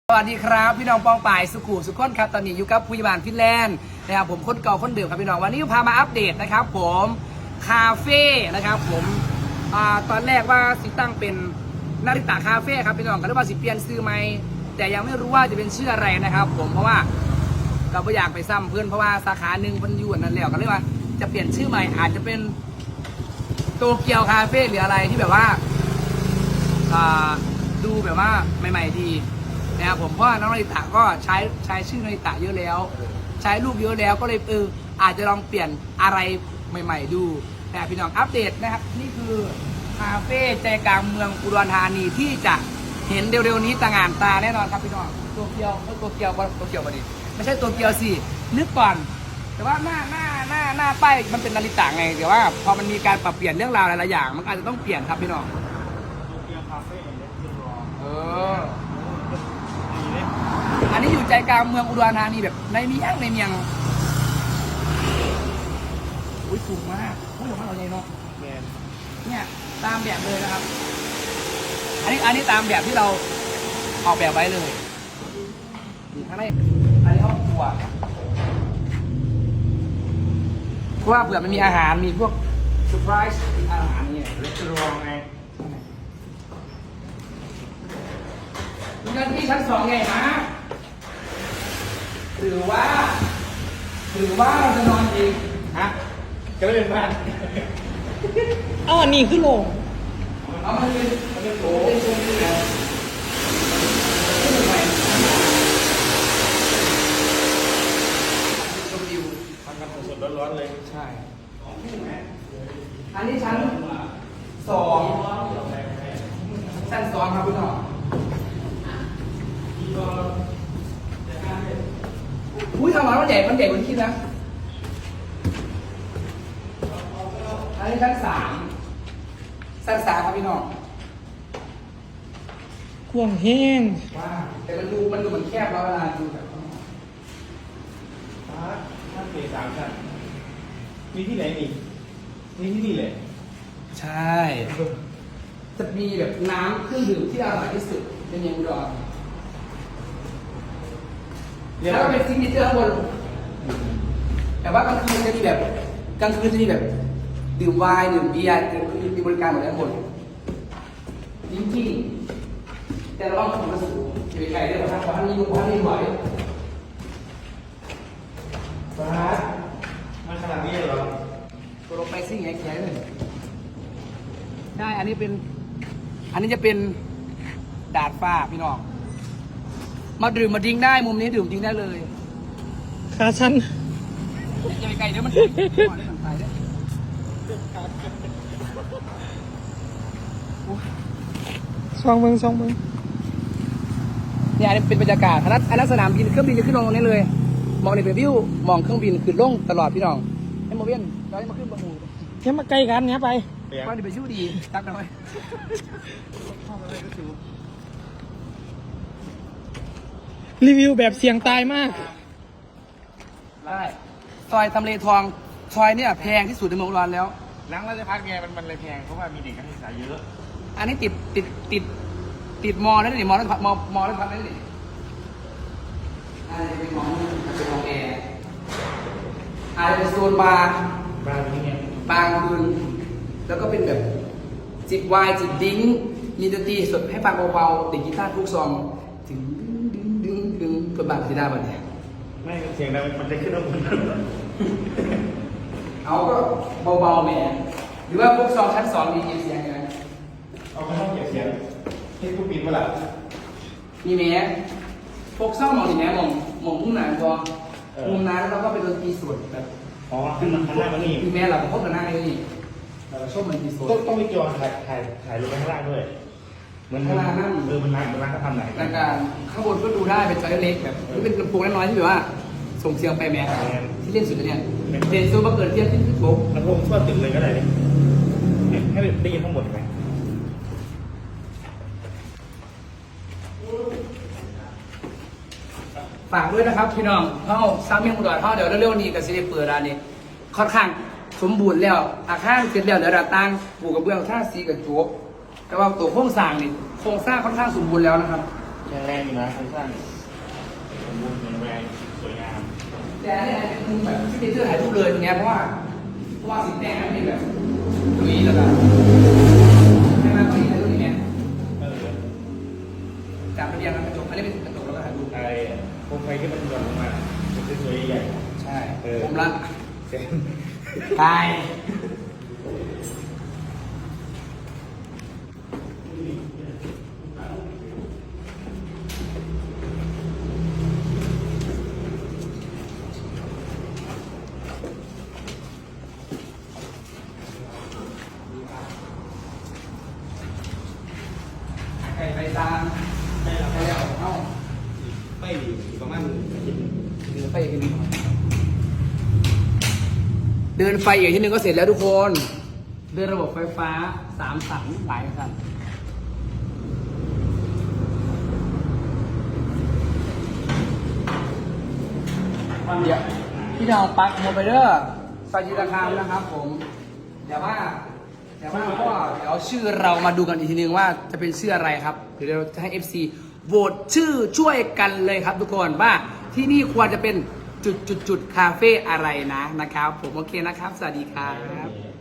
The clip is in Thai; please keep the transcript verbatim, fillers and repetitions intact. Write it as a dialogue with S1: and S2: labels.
S1: สวัสดีครับพี่น้องปองป่ายสุขุสุขคนครับตอนนี้อยู่กับผู้ใหญ่บ้านฟินแลนด์นะครับผมคนเก่าคนเดิมครับพี่น้องวันนี้พามาอัปเดตนะครับผมคาเฟ่นะครับผมอ่าตอนแรกว่าสิตั้งเป็นนาริตะคาเฟ่ครับพี่น้องก็เรียกว่าสิเปลี่ยนชื่อไหมแต่ยังไม่รู้ว่าจะเป็นชื่ออะไรนะครับผมเพราะว่าเราไม่อยากไปซ้ำเพื่อนเพราะว่าสาขาหนึ่งมันอยู่นั่นแล้วก็เรียกว่าจะเปลี่ยนชื่อใหม่อาจจะเป็นโตเกียวคาเฟ่หรืออะไรที่แบบว่าอ่าดูแบบว่าใหม่ๆดีนะครับผมเพราะน้องนาริตะก็ใช้ใช้ชื่อนาริตะเยอะแล้วใช้รูปเยอะแล้วก็เลยเอออาจจะลองเปลี่ยนอะไรใหม่ๆดูนะพี่น้องอัปเดตนะครับนี่คือคาเฟ่ใจกลางเมืองอุดรธานีที่จะเห็นเร็วๆนี้ต่างงานตาแน่นอนครับพี่น้องตัวเกียวตัวเกียวตัวเกียวมาดิไม่ใช่ตัวเกียวสินึกก่อนแต่ว่าหน้าหน้าหน้าหน้าป้ายมันเป็นนาริตะไงแต่ว่าพอมันมีการปรับเปลี่ยนเรื่องราวหลายๆอย่างมันอาจจะต้องเปลี่ยนครับพี่น้อง
S2: ตัวเกียวคาเฟ่เนี่ยรอ
S1: เอออันนี้อยู่ใจกลางเมืองอุดรธานีแบบในเมียงในเมียงอุ้ยสูงมากอุ้ยสูงมากเราใหญ่เนาะ
S2: แมน
S1: เนี่ยตามแบบเลยนะครับอันนี้อันนี้ตามแบบที่เราออกแบบไว้เลยนี่ข้างในอันนี้ห้องครัวเพราะว่าเผื่อมันมีอาหารมีพวกเซอร์ไพรส์อาหารนี่
S2: เลสรองไง
S1: มีกันที่ชั้นสองไงฮะหรือว่าหรือว่าเราจะนอนเอง
S2: ฮะก็ไม่เป็นบ้าน
S3: อ๋อนี่คือโรง
S1: เอามาเป็นมันเป็นโถเป็นโซนที่ไหนที่ไหนชมวิว
S2: ทำกันสดๆร้อนๆเลย
S1: ใช่อันนี้ชั้นสองชั้นสองครับพี่น้องอุ้ยทำมามันใหญ่มันใหญ่กว่าที่คิดนะอันนี้ชั้นสามชั้นสามครับพี่น้อง
S3: กว้างแห้ง
S1: ว้าแต่มันดูมันดูเหมือนแคบแล้วเวลาดูแบบ
S2: ท่านเกสามชั้นมีที่ไหนอีกมีที่นี่เลย
S1: ใช่จะมีแบบน้ำเครื่องดื่มที่อร่อยที่สุดในเมืองอุดรแล้วก็เป็นซิกเนเจอร์ข้างบนแต่ว่ากลางคืนจะมีแบบกลางคืนจะมีแบบดื่มไวน์ดื่มเบียร์มีบริการหมดทั้งหมดจริงๆแต่เราต้องทำมาสู่จะไปไกลได้หรอครับเพราะท่านนี้เพราะท่านนี้ไหวฟ้า
S2: มันขนาดนี้เหรอ
S1: ตัวลงไปซิ่งแข็งๆเลยได้อันนี้เป็นอันนี้จะเป็นดาดฟ้าพี่น้องมาดื่มมาดิ้งได้มุมนี้ดื่มดิ้งได้เลย
S3: ขาชัน
S1: อย่าไปไกลเดี๋ยวมันก่อนได้สั่งไปเด้
S3: ซองเมืองซองเมือง
S1: เนี่ยอันนี้เป็นบรรยากาศอันนั้นอันนั้นสนามบินเครื่องบินจะขึ้นลงตรงนี้เลยมองในเป็นวิวมองเครื่องบินขึ้นลงตลอดพี่น้องให้โมเวียนเราให้มาขึ้นบนหมู่
S3: แค่มาใกล้กันเนี้ยไป
S1: ว่าจะไปชิวดีตักหน่อย
S3: รีวิวแบบเสียงตายมาก
S1: ได้ซอยทำเลทองซอยเนี่ยแพงที่สุดในเมืองอุดรแล้ว
S2: หลังราชพัฒน์ไงมันมันเลยแพงเพราะว่ามีเด็กนักศึกษาเยอะ
S1: อันนี้ติดติดติดติดมอแล้วนี่มอแล้วมอมอแล้วทำได้นี่อันนี้เป็นมอเป็นมอแอร์อันนี้เป็นโซนบาร์
S2: บางที่เนี่ย
S1: บางคืนแล้วก็เป็นแบบจิบไวน์จิบดิ้งมีดนตรีสดให้ฟังเบาๆติดกีตาร์ทุกซองถึงดึงดึงดึงกดบัตรที่ได้บัตรเนี่ย
S2: ไม่เสียงดังมันจะขึ้นมาบน
S1: เอาก็เบาๆแหมหรือว่าพวกซองชั้นสองมีเสียงไง
S2: เอาไปห้องเก็บเสียงให้ผู้ปิดเมื่อไหร่
S1: มีแม้พวกซองมองดีแม้มองมองมุมไหนพอมุมนั้นแล้วก็เป็นดนตรีสดแบบ
S2: อ๋อขึ้นมาข้างล่างนี่
S1: มีแม้เราพบกันหน้าไอ้นี่เราชอบมันดนตรีสด
S2: ต้องต้องมีจอถ่ายถ่ายถ่ายลงไปข้างล่างด้วยเหมือนข้างล่างนั่นเออมันร้านมันร้านเขาทำไหน
S1: รายการข้างบนก็ดูได้เป็นจอเล็กแบบนี่เป็นลำโพงน้อยๆที่แบบว่าส่งเสียงไปแม้ที่เล่นสุดเนี่ยเดนซูมาเกิดเทียบที่โบ๊ะ
S2: ลำโพงทั่วตึกเลยก็ได้ให้ได้ยินทั้งหมดไหม
S1: ฝากด้วยนะครับพี่น้องเข้าซ้ำเมียงอุดรเข้าเดี๋ยวเร็วๆนี้กับซีรีส์เปิดร้านนี้ค่อนข้างสมบูรณ์แล้วอาคารเสร็จแล้วเดี๋ยวเราตั้งปลูกกระเบื้องท่าสีกับโจ๊กแต่ว่าตัวโครงสร้างนี่โครงสร้างค่อนข้างสมบูรณ์แล้วนะครับ
S2: แข็งแรงอยู่นะโครงสร้างสมบูรณ์แข็งแรงสวยงาม
S1: แต่อันนี้เป็นมุมแบบที่เป็นเสื้อถ่ายรูปเลยตรงเนี้ยเพราะว่าเพราะว่าสีแดงมันเป็นแบบลุยแล้วแบบใช่ไหมก็ดีนะรูปนี้เนี่ย
S2: เออ
S1: จับระเบียงกระจกอันนี้เป็นกระจกแล้วก็ถ่ายรูป
S2: ไอ้โคมไฟที่มันหย่อนลงมาเป็นสวยๆใหญ่
S1: ใช่
S2: เออ
S1: ผมละ
S2: เต็ม
S1: ตายไก่ไปตามไปแล้วไปแล้วเอ้า
S2: ไปอยู่ประมาณอาทิตย์หนึ่ง
S1: เดินไปอีกทีนึงเดินไฟอีกทีนึงก็เสร็จแล้วทุกคน เดินระบบไฟฟ้าสามสันหลายสันเดี๋ยวพี่น้องปักโมไปเดอร์ไฟจีราคามนะครับผมเดี๋ยวว่าเดี๋ยวว่าก็เดี๋ยวชื่อเรามาดูกันอีกทีนึงว่าจะเป็นชื่ออะไรครับเดี๋ยวเราจะให้ เอฟ ซี โหวตชื่อช่วยกันเลยครับทุกคนว่าที่นี่ควรจะเป็นจุดจุดจุดคาเฟ่อะไรนะนะครับผมโอเคนะครับ สวัสดีครับ